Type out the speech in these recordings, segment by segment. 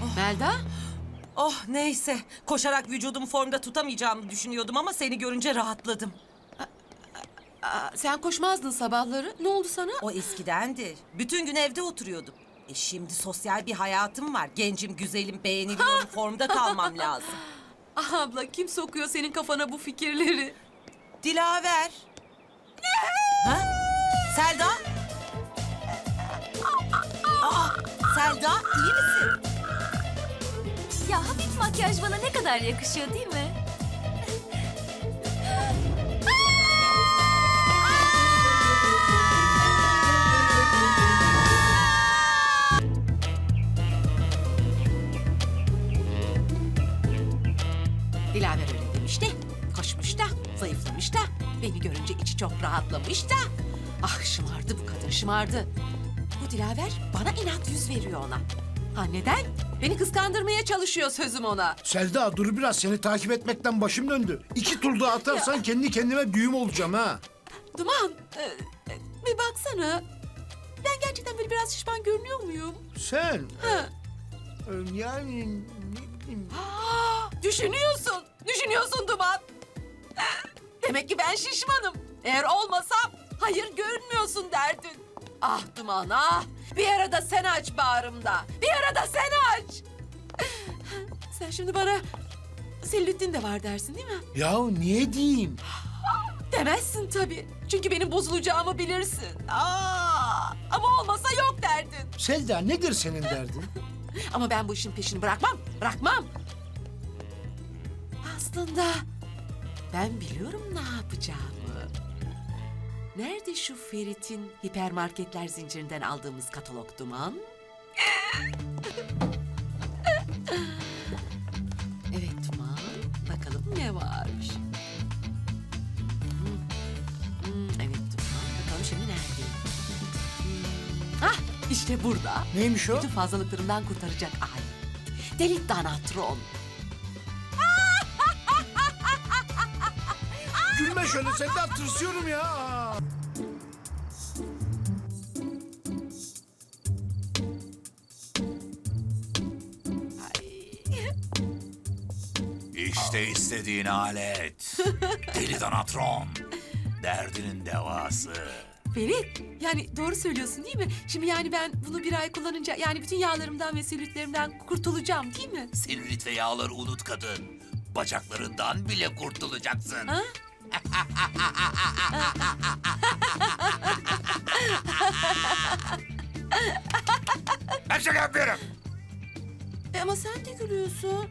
Melda? Oh neyse. Koşarak vücudumu formda tutamayacağımı düşünüyordum ama seni görünce rahatladım. Sen koşmazdın sabahları. Ne oldu sana? O eskidendi. Bütün gün evde oturuyordum. Şimdi sosyal bir hayatım var. Gencim, güzelim, beğeniliyorum. Formda kalmam lazım. Ah abla, kim sokuyor senin kafana bu fikirleri? Dilaver. Ha? Selda? Aa, Selda iyi misin? Ya hafif makyaj bana ne kadar yakışıyor değil mi? Dilaver öyle demiş de, koşmuş da, zayıflamış da, beni görünce içi çok rahatlamış da. Ah şımardı bu kadın, şımardı. Bu Dilaver bana inat yüz veriyor ona. Ha neden? Beni kıskandırmaya çalışıyor sözüm ona. Selda dur biraz, seni takip etmekten başım döndü. 2 tur daha atarsan kendi kendime düğüm olacağım ha. Duman, bir baksana. Ben gerçekten böyle biraz şişman görünüyor muyum? Sen Ha. yani ne bileyim. Düşünüyorsun Duman. Demek ki ben şişmanım. Eğer olmasam hayır görünmüyorsun derdin. Ah Duman ah. Bir ara da sen aç bağrımda. Bir ara da sen aç. Sen şimdi bana selülitin de var dersin değil mi? Ya niye diyeyim? Demezsin tabii. Çünkü benim bozulacağımı bilirsin. Ama olmasa yok derdin. Selda nedir senin derdin? Ama ben bu işin peşini bırakmam. Aslında ben biliyorum ne yapacağımı. Nerede şu Ferit'in hipermarketler zincirinden aldığımız katalog Duman? Evet Duman, bakalım ne var? Evet Duman, bakalım şimdi nerede? İşte burada. Neymiş o? Bütün fazlalıklarımdan kurtaracak ay. Deli Danatron. Gülme şöyle Selda, tırsıyorum ya. İşte istediğin alet. Deli Danatron. Derdinin devası. Ferit, yani doğru söylüyorsun değil mi? Şimdi yani ben bunu bir ay kullanınca yani bütün yağlarımdan ve selülitlerimden kurtulacağım değil mi? Selülit ve yağları unut kadın. Bacaklarından bile kurtulacaksın. Ha? Ben şaka yapıyorum. Ama sen de gülüyorsun.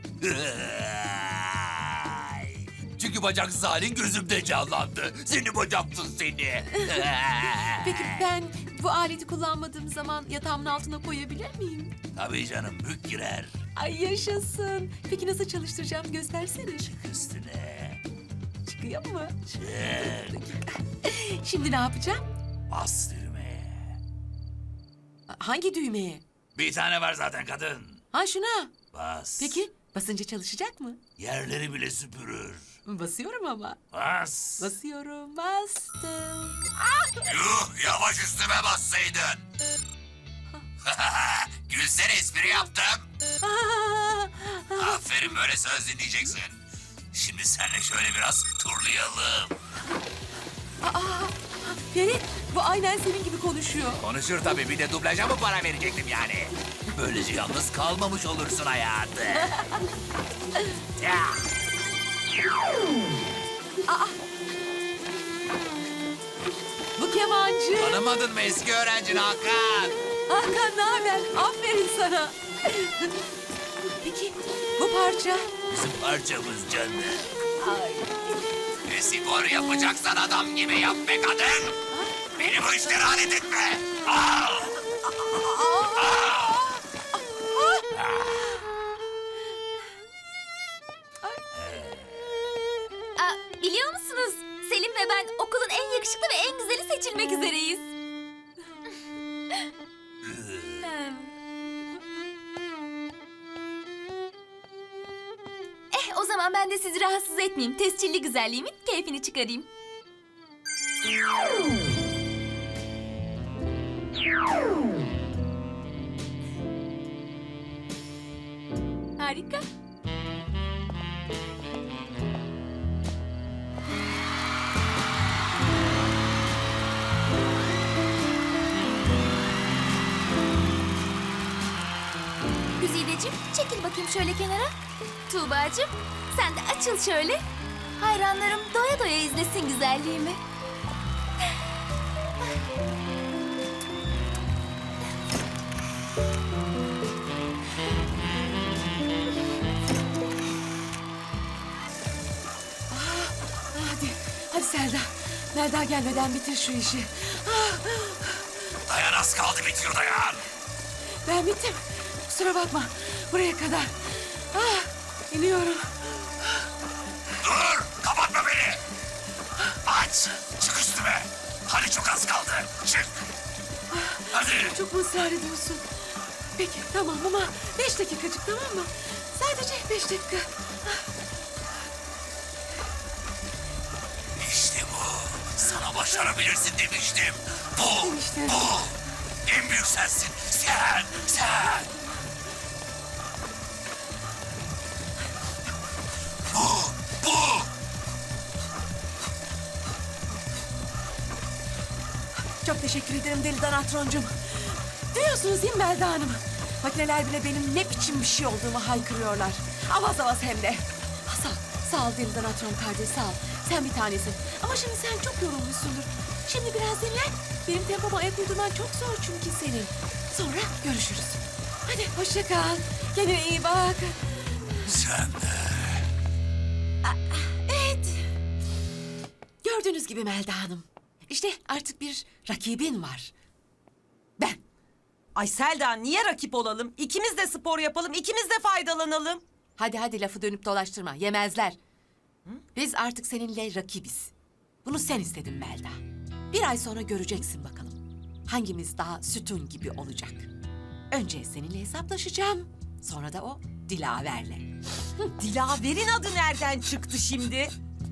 Çünkü bacaksız halin gözümde canlandı. Seni bacaksız seni. Peki ben bu aleti kullanmadığım zaman yatağımın altına koyabilir miyim? Tabii canım, bük girer. Ay yaşasın. Peki nasıl çalıştıracağım göstersene. Üstüne. Çıkıyor mu? Çık. Şimdi ne yapacağım? Bas düğmeye. Hangi düğmeye? Bir tane var zaten kadın. Ha şuna. Bas. Peki basınca çalışacak mı? Yerleri bile süpürür. Basıyorum ama. Bas. Basıyorum, bastım. Yuh, yavaş üstüme bassaydın. Gülsene, espri yaptım. Aferin, böyle söz dinleyeceksin. Şimdi seninle şöyle biraz turlayalım. Ferit, bu aynen senin gibi konuşuyor. Konuşur tabii, bir de dublaja mı para verecektim yani? Böylece yalnız kalmamış olursun hayatı. Ya. Bu kemancı. Tanımadın mı eski öğrencin Hakan? Hakan ne haber? Aferin sana. Peki bu parça? Bizim parçamız canım. Ay. Spor yapacaksan adam gibi yap be kadın. Beni bu işlere alet etme. Al. Biliyor musunuz? Selim ve ben okulun en yakışıklı ve en güzeli seçilmek üzereyiz. O zaman ben de sizi rahatsız etmeyeyim. Tescilli güzelliğimin keyfini çıkarayım. Harika. Güzideciğim, çekil bakayım şöyle kenara. Tuğbacığım, sen de açıl şöyle. Hayranlarım doya doya izlesin güzelliğimi. Hadi Selda. Melda gelmeden bitir şu işi. Dayan, az kaldı, bitiyor dayan. Ben bittim. Kusura bakma. Buraya kadar. İniyorum. Dur, kapatma beni. Aç, çık üstüme. Hadi çok az kaldı, çık. Hadi. Çok mu ısrar ediyorsun? Peki tamam ama 5 dakikacık, tamam mı? Sadece 5 dakika. İşte bu. Sana başarabilirsin demiştim. Bu, Demiştin. bu. En büyük sensin. Sen. Bu. Çok teşekkür ederim Deli Danatron'cum. Duyuyorsunuz değil mi Melda Hanım? Makineler bile benim ne biçim bir şey olduğumu haykırıyorlar. Avaz avaz hem de. Sağ ol Deli Danatron kardeş, sağ ol. Sen bir tanesin. Ama şimdi sen çok yorulmuşsundur. Şimdi biraz dinlen. Benim tempoma ayak uydurman çok zor çünkü senin. Sonra görüşürüz. Hadi hoşça kal. Kendine iyi bak. Sen de. Evet. Gördüğünüz gibi Melda Hanım. İşte artık bir rakibin var. Ben. Ay Selda, niye rakip olalım? İkimiz de spor yapalım, ikimiz de faydalanalım. Hadi lafı dönüp dolaştırma. Yemezler. Biz artık seninle rakibiz. Bunu sen istedin Melda. Bir ay sonra göreceksin bakalım. Hangimiz daha sütun gibi olacak. Önce seninle hesaplaşacağım. Sonra da o Dilaver'le. Dilaver'in adı nereden çıktı şimdi?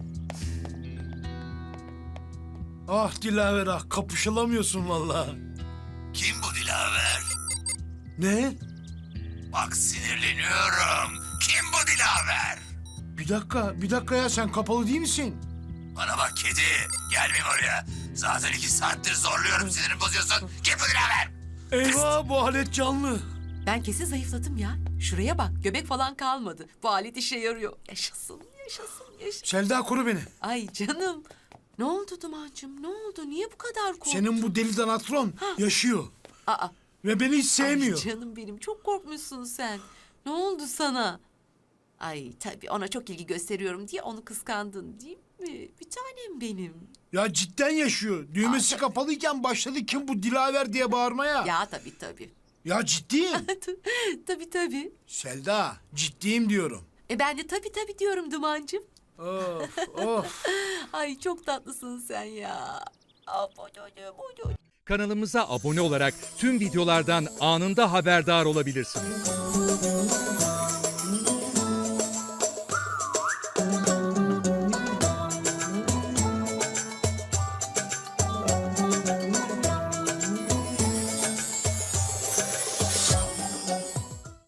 Ah Dilaver ah, kapışılamıyorsun vallahi. Kim bu Dilaver? Ne? Bak sinirleniyorum. Kim bu Dilaver? Bir dakika ya, sen kapalı değil misin? Bana bak kedi. Gelmeyeyim oraya. Zaten 2 saattir zorluyorum, sinirimi bozuyorsun. Kim bu Dilaver? Eyvah, bu alet canlı. Ben kesin zayıfladım ya. Şuraya bak, göbek falan kalmadı. Bu alet işe yarıyor. Yaşasın. Selda, koru beni. Ay canım. Ne oldu Duman'cığım? Ne oldu? Niye bu kadar korktun? Senin bu deli Danatron yaşıyor. Aa. Ve beni hiç sevmiyor. Ay canım benim, çok korkmuşsun sen. Ne oldu sana? Ay tabii ona çok ilgi gösteriyorum diye onu kıskandın değil mi? Bir tanem benim. Ya cidden yaşıyor. Düğmesi kapalıyken başladı kim bu Dilaver diye bağırmaya. Ya tabii. Ya ciddiyim. Tabii. Selda, ciddiyim diyorum. Ben de tabii diyorum Duman'cığım. Of. Ay çok tatlısın sen ya. Kanalımıza abone olarak tüm videolardan anında haberdar olabilirsiniz.